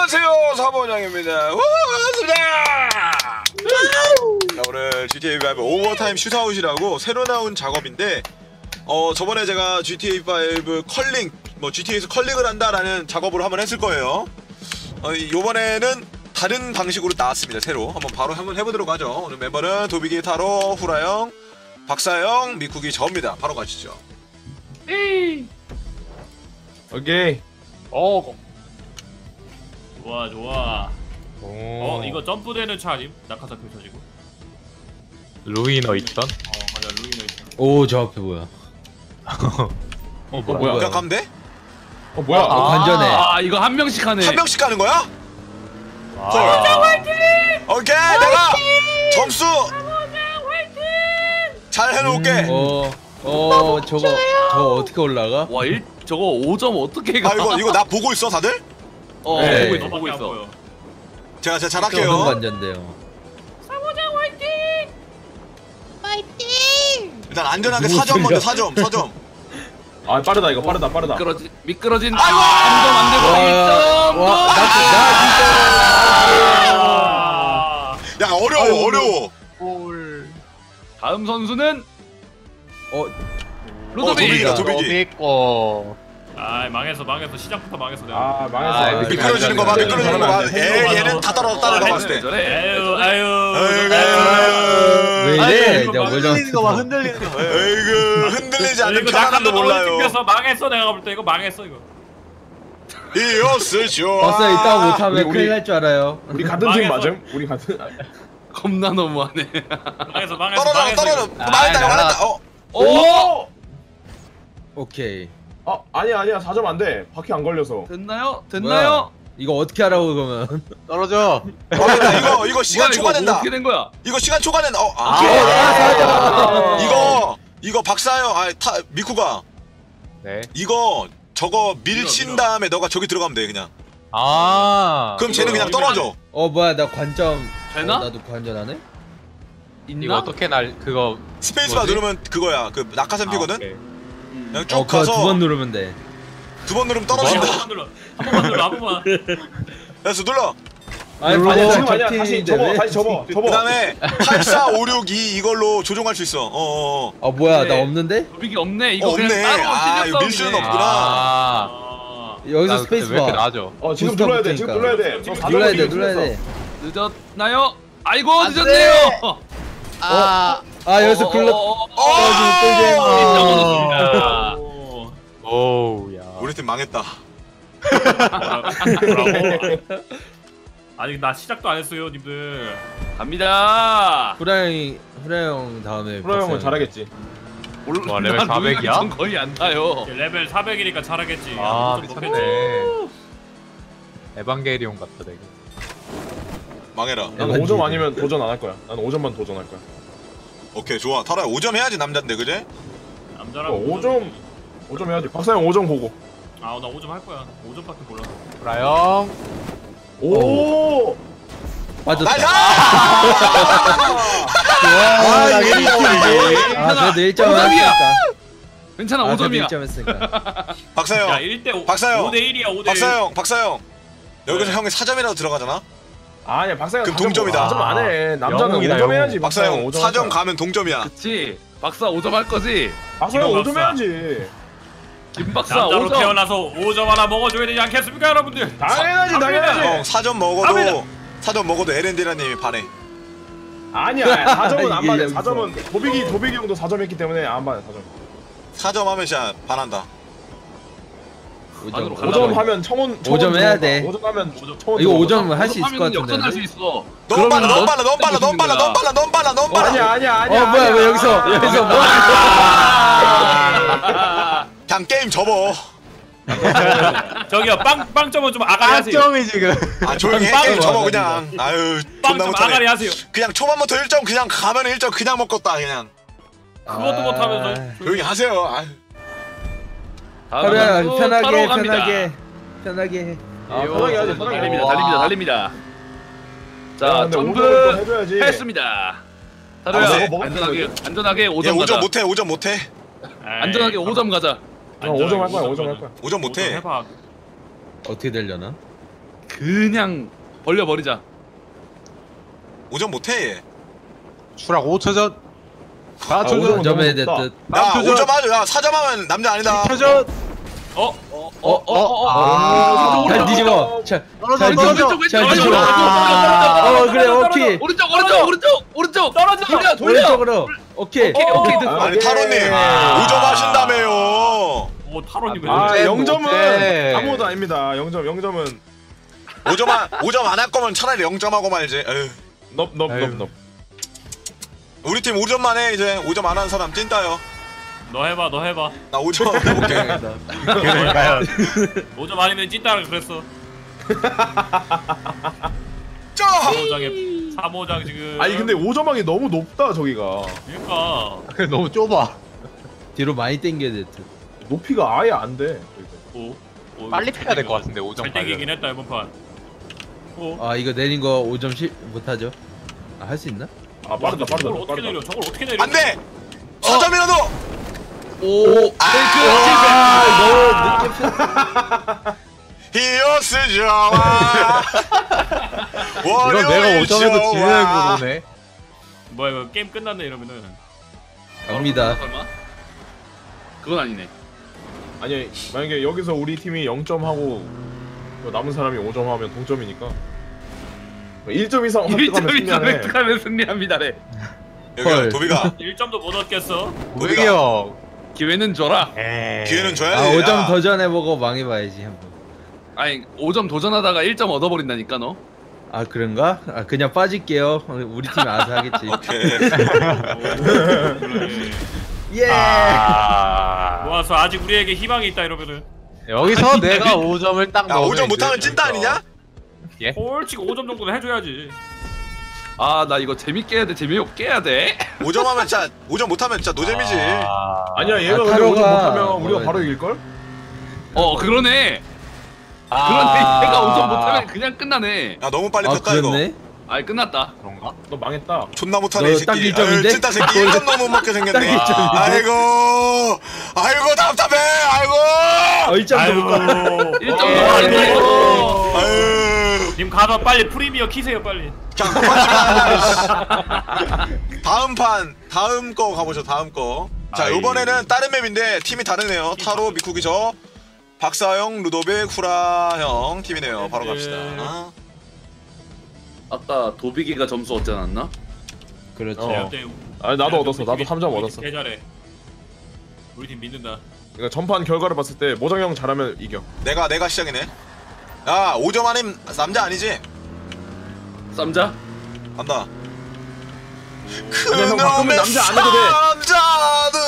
안녕하세요, 사모장입니다. 반갑습니다. 자, 오늘 GTA5 오버타임 슈트아웃이라고 새로 나온 작업인데, 저번에 제가 GTA5 컬링, GTA에서 컬링을 한다라는 작업을 한번 했을 거예요. 요번에는 다른 방식으로 나왔습니다. 새로 한번 해보도록 하죠. 오늘 멤버는 도비기, 타로, 후라형, 박사형, 미쿠기, 저입니다. 바로 가시죠. 오케이. 좋아. 오. 이거 점프되는 차 아님? 낙하산 펼쳐지고. 루이너 2000? 맞아, 루이너 있어. 오, 저 앞에 뭐야? 뭐야? 그냥 가면 돼? 뭐야? 관전해. 이거 한 명씩 하네. 한 명씩 가는 거야? 오케이, 내가 점수 잘 해놓을게. 저거 어떻게 올라가? 와, 저거 5점 어떻게 가? 이거 나 보고 있어, 다들? 네. 보고 있어. 제가 어떤 잘할게요. 관전데요? 일단 안전하게 4점 먼저 4점. 아 빠르다 이거 빠르다. 미끄러진. 아이고! 3점 안 되고 1점. 야, 어려워. 다음 선수는 도비기다, 루도비. 도비기. 망했어. 시작부터 망했어 내가. 아 망했어. 미끄러지는 거 봐. 얘는 다 따라가 봤을 때. 왜 이래? 내가 뭘 흔들리는 거 봐, 잘못했어? 흔들리는 거. 에이그, 흔들리지 않는 이거 편안함도 몰라요. 튕겨서 망했어. 내가 볼 때 이거 망했어 이거. 이었으죠. 봤어, 이따가 못하면 우리- 큰일 날 줄 알아요. 우리 같은 팀 망했어. 맞음? 우리 같은. 겁나 너무하네. 망했어. 떨어져. 말했다. 오! 오케이. 아니야 4점 안 돼. 바퀴 안 걸려서. 됐나요? 뭐야? 이거 어떻게 하라고 그러면? 떨어져. 이거 시간 뭐야, 초과된다. 어떻게 된 거야? 이거 시간 초과된다. 이거 박사형, 미쿠가. 네. 이거 저거 밀친 다음에 너가 저기 들어가면 돼, 그냥. 그럼 쟤는 그냥 떨어져. 뭐야, 나 관점. 되나? 나도 관전하네? 이거 있나? 어떻게 그 스페이스바 뭐지? 누르면 그거야. 그 낙하산 피거든. 오케이. 그냥 쭉 그거 가서 2번 누르면 돼. 2번 누르면 떨어진다. 한 번만. 그래서 눌러. 아니, 아니야 관전 지금 아니야. 다시 접어. 다시 접어. 그다음에 8, 4, 5, 6, 2 이걸로 조종할 수 있어. 뭐야, 그래. 나 없는데? 루빅이 없네. 이거 없네. 그냥 따로 이거 밀 수는 없구나. 여기서 나 스페이스 왜 이렇게 봐. 나아져? 지금 부스터 눌러야 돼. 지금 붙으니까. 눌러야 돼. 눌러야 돼. 늦었나요? 아이고, 늦었네요. 여기서 글러. 오우야. 우리 팀 망했다. 아니 나 시작도 안 했어요, 님들. 갑니다. 후라형 다음에. 프로 형은 잘하겠지. 와, 레벨 400 이야? 전 거의 안 타요. 레벨 400이니까 잘하겠지. 좀 높겠지. 미쳤네. 에반게리온 같다 되게. 망해라. 나는 5점 아니면 도전 안 할 거야. 나는 5점만 도전할 거야. 오케이, 좋아. 타라야 5점 해야지 남잔데, 그제? 남자랑 5점 해야지. 박사 형 5점 보고. 나 5점 할 거야. 5점밖에 몰라. 브라영. 오! 맞았다. 나이스! 그래도 1점 오점이야. 했으니까. 괜찮아, 5점이야. 1점 했으니까. 박사형. 1대5. 박사형. 5대1이야, 5대1. 박사형. 여기서 형이 4점이라도 들어가잖아? 아니야 박사 형 그럼 동점이다. 4점 안 해. 남자는 영웅이다, 5점 영웅. 해야지. 박사형 5점 4점 가면 동점이야. 그치. 박사 5점 할 거지? 박사 형 5점 박사. 해야지. 김 박사 남자로 5점. 태어나서 5점 하나 먹어줘야 되지 않겠습니까, 여러분들? 당연하지 형 당연하지. 4점 먹어도 에렌디라님이 반해. 아니야 4점은 안 이게 받아. 여기서. 4점은 도비기 형도 4점 했기 때문에 안 받아 4점. 4점 하면 진짜 반한다. 5점. 5점 하면 청원 5점 해야 돼. 5점 하면 오점. 청원 이거 들어가. 5점 할 수 있을 것 하면 역전할 수 같은데. 있어. 너무 빨라, 그러면 너무 빨라. 아니야. 뭐야, 왜 여기서 뭐? 그냥 게임 접어. 저기요, 빵점은 좀 아가리 하세요. 빵점이 지금. 조용히 해. 게임 접어 그냥. 아유, 존나 빵점 아가리 못하네. 하세요. 그냥 초반부터 1점 그냥 가면 1점 그냥 먹겠다 그냥. 그것도 못하면서. 조용히 하세요. 아유. 하루야, 편하게 해. 편하게 하지, 편하게. 달립니다. 자, 야, 근데 점프 5점을 또 해줘야지. 했습니다. 아, 하루야, 네. 안전하게 얘 5점 가자. 5점 못해. 안전하게 5점 가자. 5점 할 거야. 5점 할 거야. 5점 못해. 해봐. 어떻게 되려나? 그냥 벌려버리자. 5점 못해 얘. 추락 5초전. 4초전 5점 해야 됐듯. 야 5점 하죠. 야 4점 하면 남자 아니다. 4초전. 잘 뒤집어. 잘 떨어져. 뒤집어. 그래 오케이. 오른쪽. 돌려. 오른쪽으로. 오케이. 아니 타로님 5점 하신다며요. 오 타로님 왜 아 그래? 0점은 못해. 아무것도 아닙니다. 0점은 5점 안 할 거면 차라리 0점 하고 말지. 에휴. 넙. 우리 팀 5점만 해 이제. 5점 안 하는 사람 찐따요. 너 해봐 나 5점 해볼게. 그러니까요. 5점 아니면 찐따라 그랬어. 짜! 3호장 지금. 아니 근데 5점하기 너무 높다 저기가. 그러니까 너무 좁아. 뒤로 많이 당겨야 됐듯. 높이가 아예 안 돼. 오, 빨리 패야 될 것 같은데 5점 잘 땡기긴 했다 이번 판. 아 이거 내린 거 5점 못하죠? 아 할 수 있나? 아 빠르다. 저걸 어떻게 내려? 저걸 어떻게 내려? 안 돼! 4점이라도! 오. 아, 너무 늦게 히어스 좋아. 이건 내가 5점에도 지는 거네. 뭐야 이거 게임 끝났네 이러면은. 갑니다. 설마? 그건 아니네. 아니 만약에 여기서 우리 팀이 0점 하고 남은 사람이 5점 하면 동점이니까 1점 이상 획득하면 1점 이상 승리하네. 획득하면 승리합니다래. 여기 헐. 도비가 1점도 못 얻겠어. 우리 형. 기회는 줘라. 기회는 아 줘야지. 5점 도전해보고 망해봐야지 한번. 아니 5점 도전하다가 1점 얻어버린다니까 너. 아 그런가? 아 그냥 빠질게요. 우리 팀이 알아서 하겠지. 오케이. 그러네. 예. 모아서 아직 우리에게 희망이 있다 이러면은. 여기서 내가 5점을 딱 야 넣으면 5점 못하면 이제 찐따 아니냐? 솔직히 5점 정도는 해줘야지. 아 나 이거 재밌게 해야 돼. 재미없게 해야 돼. 5점 하면 진짜 5점 못하면 진짜 노잼이지. 아니야 얘가 아, 근데 타로가 5점 못하면 우리가 먹어야 바로 돼. 이길걸? 그러네. 그런데 얘가 5점 못하면 그냥 끝나네. 야 너무 빨리 아 폈다 이거. 그렇네. 아이 끝났다. 그런가? 너 망했다. 존나 못하네 이 너 딱 새끼. 1점인데? 아유, 찐따 새끼 1점 너무 못 먹게 생겼네. 딱 1점인데? 아이고 답답해. 아이고. 1점도 못 가. 1점 넣어버린다 이거. 아유. 님 가서 빨리 프리미어 키세요 빨리. 그냥 그만 좀. 다음 거 가보죠. 다음 거. 자 아이. 이번에는 다른 맵인데 팀이 다르네요. 타로, 미쿠기 저, 박사형, 루도빅, 후라형 팀이네요. 바로 갑시다. 아까 도비기가 점수 얻지 않았나? 그렇죠. 네, 아니 나도 얻었어. 나도 3점 얻었어. 개 잘해. 우리 팀 믿는다. 그러니까 전판 결과를 봤을 때 모정형 잘하면 이겨. 내가 시작이네. 야 5점 아님 남자 아니지? 쌈자? 간다. 아니야, 형, 바꾸면 남자 안 해도 돼. 남자는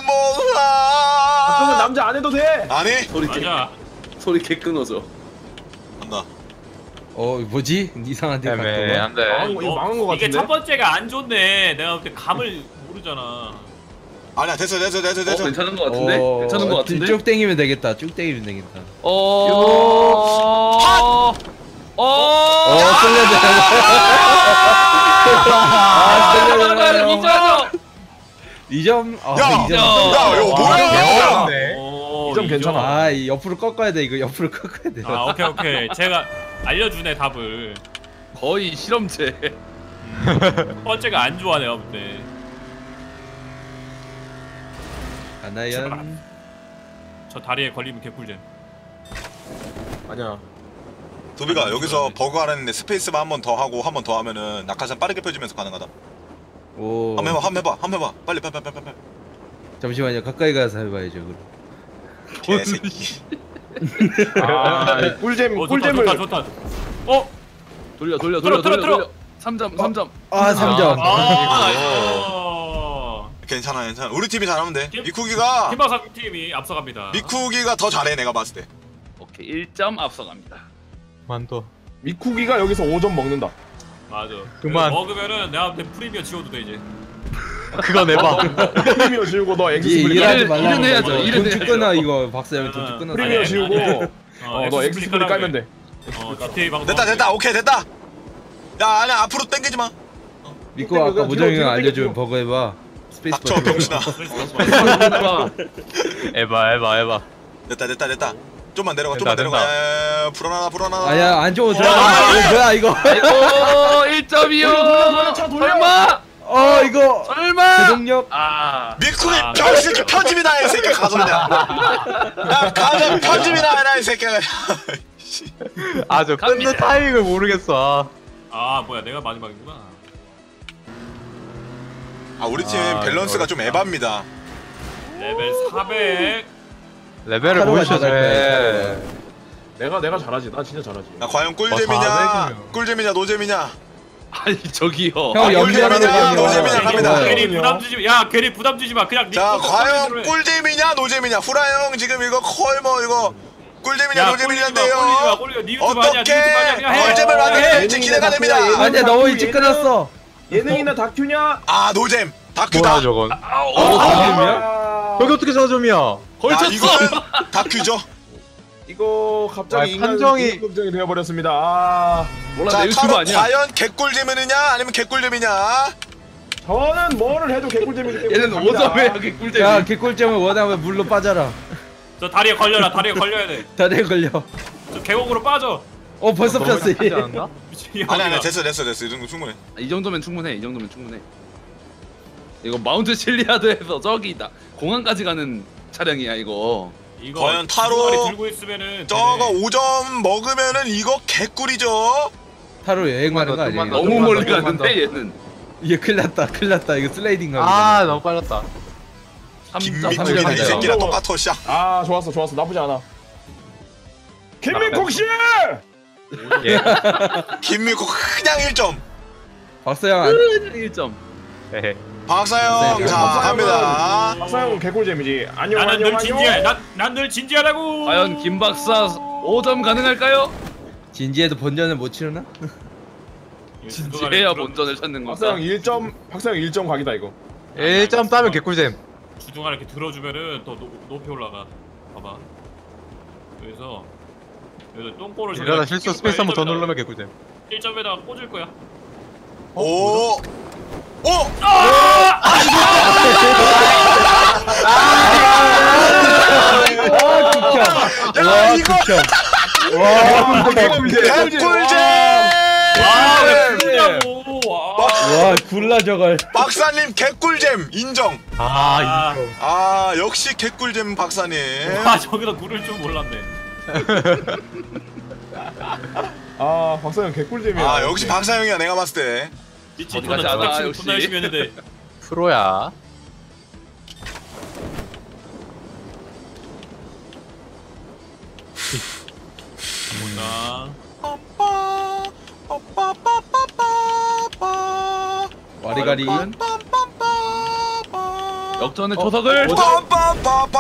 그러면 몰라. 남자 안 해도 돼. 아니? 소리 개 끊어져. 간다. 뭐지? 이상한 데 갔다. 애매한데. 이거 망한 거 이게 같은데? 첫 번째가 안 좋네. 내가 그때 감을 모르잖아. 아니야 됐어. 괜찮은 거 같은데? 괜찮은 거 같은데? 쭉 땡기면 되겠다. 쭉 땡기면 되겠다. 쏠려야 돼. 2점. 아, 야, 2점. 야, 이거 뭐야? 오, 2점 괜찮아. 아, 이 옆으로 꺾어야 돼. 이거 옆으로 꺾어야 돼. 아 오케이. 제가 알려주네 답을. 거의 실험체. 첫 번째가 안 좋아 내가 볼 때. 가나연. 저 다리에 걸리면 개꿀잼. 아니야. 도비가 여기서 버그 하라는데 스페이스만 한 번 더 하고 한 번 더 하면은 낙하산 빠르게 펴지면서 가능하다. 오. 한번 해봐. 빨리. 잠시만요. 가까이 가서 해봐야죠. 그럼. 개새끼. 아, 꿀잼을. 좋다. 돌려. 들어. 3점. 아, 3점. 괜찮아. 우리 팀이 잘하면 돼. 팀- 미쿠기가 팀박사 팀이 앞서갑니다. 미쿠기가 더 잘해 내가 봤을 때. 오케이 1점 앞서갑니다. 만둬. 미쿠기가 여기서 5점 먹는다. 맞아. 그만. 먹으면은 내가 볼 때 프리미어 지워도 돼 이제. 그거 내봐. 프리미어 지우고 너 엑스 이 스플릿 일하지 일은 말라는 해야죠. 거죠. 일은 돈쭉 해야죠. 끊어 이거 박사형 돈쭉 끊어. 프리미어 아니, 지우고 너 엑스 스플릿 깔면 깔면 돼. GTA 방송. 됐다. 오케이 됐다. 야 아니야 앞으로 당기지 마. 믿고 아까 뒤로, 모정이 뒤로, 알려준 뒤로. 버거 해봐. 스페이스 닥쳐 바. 병신아. 에바. 됐다. 좀만 내려가 된다, 좀만 내려가. 야, 불안하다. 아야 안쪽으로 들어가. 뭐야 이거? 아이고 1점이요. 설마. 이거 설마. 제동력. 미쿠이 병새끼 편집이다 이 새끼 가졌냐. 야 가져 편집이다 해라 이 새끼가. 아저 끊는 타이밍을 모르겠어. 아 뭐야 내가 마지막이구나. 아 우리 팀 아, 밸런스가 좀 어렵다. 에바입니다. 레벨 400. 레벨을 하루가 보여줘야 다 돼. 내가 잘하지. 나 진짜 잘하지. 야 과연 아, 꿀잼이냐 사백이면. 꿀잼이냐 노잼이냐. 아니 저기요. 형 연기하는 거 꿀잼이냐 봐요. 노잼이냐 갑니다. 네. 괜히 부담 주지 마. 야 괜히 부담 주지 마. 그냥 자 네 과연 꿀 꿀잼이냐 노잼이냐. 후라 형 지금 이거 거의 뭐 이거 꿀잼이냐 노잼이냐인데요. 니 유튜브 아니야. 니 어떻게 유튜브 아니야. 그냥 해. 꿀잼을 만들어낼지 예. 기대가 됩니다. 아니야 너무 일찍 끝났어. 예능이나 다큐냐? 아 노잼 다큐다. 뭐야 저건? 다큐야? 여기 어떻게 4점이야? 아 이거는 다큐죠. 이거 갑자기 아, 인간 판정이- 긍정이 되어버렸습니다. 몰라 자 내 유튜브 타로 아니야. 과연 개꿀잼이냐 아니면 개꿀잼이냐. 저는 뭐를 해도 개꿀잼이기 때문에 얘는 갑니다. 5점에 하기 꿀잼. 야 개꿀잼을 원하면 물로 빠져라. 저 다리에 걸려라. 다리에 걸려야 돼. 다리에 걸려. 저 계곡으로 빠져. 벌써 너무 폈어. 하지 않았나? 미친이 아니 됐어 이 정도 충분해. 이 정도면 충분해. 이 정도면 충분해. 이거 마운트 실리아드에서 저기다 공항까지 가는 차량이야 이거. 이거 과연 타로 주둥아리 들고 있으면은 저거 되네. 5점 먹으면은 이거 개꿀이죠. 타로 여행 가는 거 아니야? 좀만 더, 너무 좀만 멀리 더, 좀만 갔는데 얘는. 이게 큰일 났다. 이거 슬라이딩 가는 아 너무 빨랐다. 3점. 김민국이네 이 삼점이다. 새끼랑 똑같아 씨. 아 좋았어 나쁘지 않아. 김민국 씨! 예. 김민국 그냥 1점. 박서영 1점. 헤헤. 박사형 네, 자 갑니다. 박사형 개꿀잼이지. 안녕. 나는 늘 진지해. 난 늘 진지하다고. 과연 김 박사 5점 가능할까요? 진지해도 본전을 못 치르나? 진지해야 본전을 찾는 건가? 박사형 1점 각이다 이거. 1점 따면 개꿀잼. 주둥아리 이렇게 들어주면은 더 높이 올라가. 봐봐. 그래서 여기서 똥꼬를 이러다 실수 스페이스 한 번 더 누르면 개꿀잼. 1점에다가 꽂을 거야. 오. 오! 야 이거 개꿀잼! 와 굴라 저걸. 박사님 개꿀잼 인정. 아, 아 역시 개꿀잼 박사님. 와 저기다 굴을 줄 몰랐네. 아 박사형 개꿀잼이야. 아 역시 박사형이야 내가 봤을 때. 미치 어디 존나 가지 않아, 존나 역시. 존나 열심히 했는데. 프로야. 나 와리가리. 역전의 초석을. 빰빰빰빰.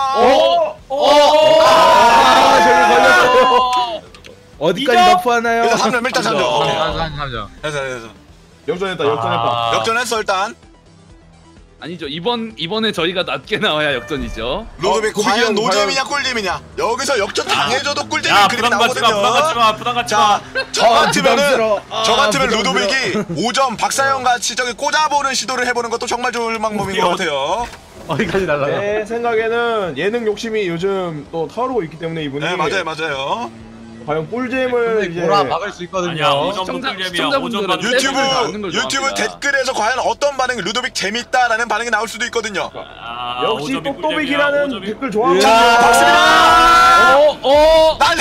저기 걸렸어. 어디까지 너프하나요? 일단 3점 일단 3점. 오케이. 3점. 됐어. 역전했다. 아. 역전했어 일단. 아니죠. 이번에 저희가 낮게 나와야 역전이죠. 로드빅 고비기 과연 형, 노잼이냐 꿀잼이냐. 여기서 역전 당해줘도 꿀잼이 야 그림이 부담 갖지 마. 부담 갖지 나오거든요. 마. 부담 갖지 자, 마. 저 같으면은 부담스러워. 저 같으면 부담스러워. 루도빅이 5점 박사형 같이 저기 꽂아보는 시도를 해보는 것도 정말 좋은 방법인 것 같아요. 어디까지 날라가? 제 생각에는 예능 욕심이 요즘 또 타오르고 있기 때문에 이분이 네 맞아요. 과연 꿀잼을 이제 보라 막을 수 있거든요. 아니야 5점 시청자- 동점이야. 5점 시청자분들은 받는 유튜브- 받는 걸 유튜브 좋아합니다. 댓글에서 과연 어떤 반응 루도빅 재밌다라는 반응이 나올 수도 있거든요. 아, 역시 5점이 똑똑이라는 꿀잼이야, 5점이. 댓글 좋아하고. 자 박습니다. 난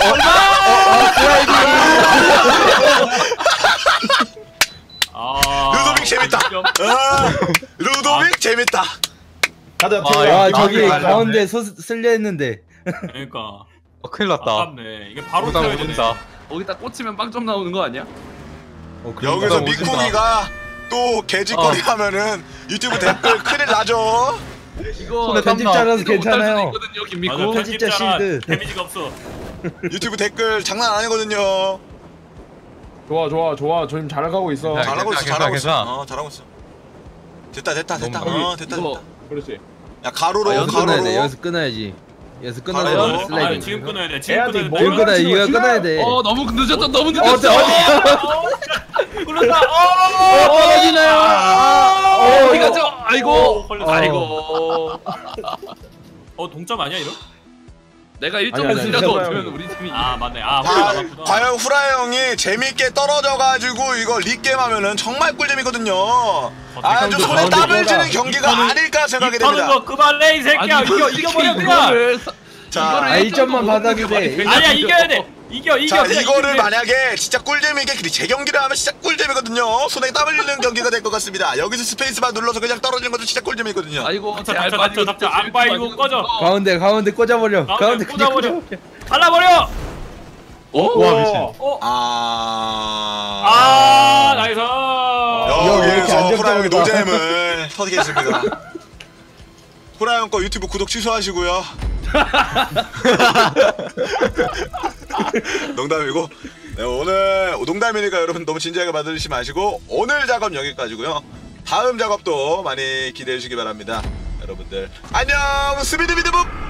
아, 루도빅 재밌다. 5점. 루도빅 재밌다. 가자. 아, 태우야. 와 아, 저기 그래, 가운데 쓸려 했는데. 그러니까 큰일 났다. 아깝네. 이게 바로 부담 켜야 되네. 오진다. 거기다 꽂히면 빵점 나오는 거 아니야? 여기서 오진다. 미꾸미가 또 개짓거리 하면은 유튜브 댓글 큰일 나죠. 이거 손에 땀 나. 편집자라서 이거 못할 수도 괜찮아요. 있거든요, 맞아, 김미코. 편집자 편집자라 실드. 데미지가 없어. 유튜브 댓글 장난 아니거든요. 좋아. 저 지금 잘 가고 있어. 괜찮아. 잘하고 있어. 괜찮아, 잘하고 괜찮아. 있어. 됐다. 됐다. 너무 됐다. 이거 그렇지. 야 가로로 아, 여기서 끊어야 돼. 가로로. 여기서 끊어야지. 여기서 가로로. 끊어서 아, 슬라이딩. 지금 끊어야 돼. 지금 해야지, 끊어야 뭐. 돼. 지금 끊어야 이거 끊어야 돼. 너무 늦었다. 너무 어디 늦었어. 끊었다. 떨어지나요? 어디 가죠? 아이고. 걸렸어. 아이고. 동점 아니야 이거? 내가 아니, 1점에서 아니, 얻으면 우리 팀이 아 맞네. 아 후라이 남았구나. 과연 후라이 형이 재밌게 떨어져가지고 이거 리게임 하면은 정말 꿀잼이거든요. 아주 손에 땀을 쥐는 경기가 아닐까 생각이 입 터는 됩니다. 거 그만해 이 새끼야. 이겨버려 그냥. 자, 1점만 받아도 돼. 아니야 이겨야 돼. 이겨. 자 그냥 이거를 이기면 돼. 만약에 진짜 꿀잼이게 제 경기를 하면 진짜 꿀잼이거든요. 손에 땀을 흘리는 경기가 될 것 같습니다. 여기서 스페이스바 눌러서 그냥 떨어지는 것도 진짜 꿀잼이거든요. 아이고 닥쳐. 악바 이거 꺼져. 가운데 꽂아버려. 가운데 그냥 꽂아버려. 발라버려. 와 미친. 나이스. 왜 이렇게 여기서 안 후라이 형이 잡혀가? 노잼을 터득했습니다. 후라이 형거 유튜브 구독 취소하시고요. 농담이고 네, 오늘 농담이니까 여러분 너무 진지하게 받으시지 마시고 오늘 작업 여기까지고요. 다음 작업도 많이 기대해 주시기 바랍니다. 여러분들 안녕 스비드비드봅.